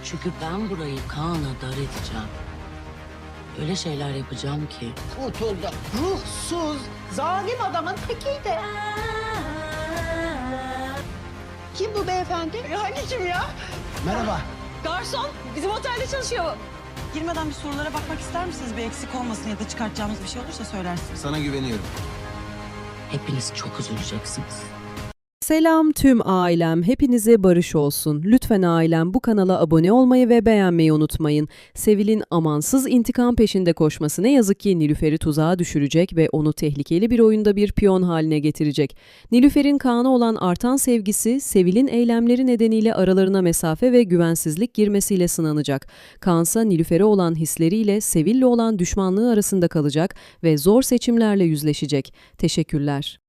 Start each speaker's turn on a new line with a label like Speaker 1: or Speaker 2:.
Speaker 1: Çünkü ben burayı Kaan'a dar edeceğim. Öyle şeyler yapacağım ki.
Speaker 2: Kurtuldu. Ruhsuz, zalim adamın tekiydi. Kim bu beyefendi?
Speaker 3: Hangi kim ya?
Speaker 2: Merhaba.
Speaker 3: Garson. Bizim otelde çalışıyor. Girmeden bir sorulara bakmak ister misiniz? Bir eksik olmasın ya da çıkartacağımız bir şey olursa söylersiniz.
Speaker 4: Sana güveniyorum.
Speaker 1: Hepiniz çok üzüleceksiniz.
Speaker 5: Selam tüm ailem, hepinize barış olsun. Lütfen ailem bu kanala abone olmayı ve beğenmeyi unutmayın. Sevil'in amansız intikam peşinde koşması ne yazık ki Nilüfer'i tuzağa düşürecek ve onu tehlikeli bir oyunda bir piyon haline getirecek. Nilüfer'in Kaan'a olan artan sevgisi, Sevil'in eylemleri nedeniyle aralarına mesafe ve güvensizlik girmesiyle sınanacak. Kaan'sa Nilüfer'e olan hisleriyle Sevil'le olan düşmanlığı arasında kalacak ve zor seçimlerle yüzleşecek. Teşekkürler.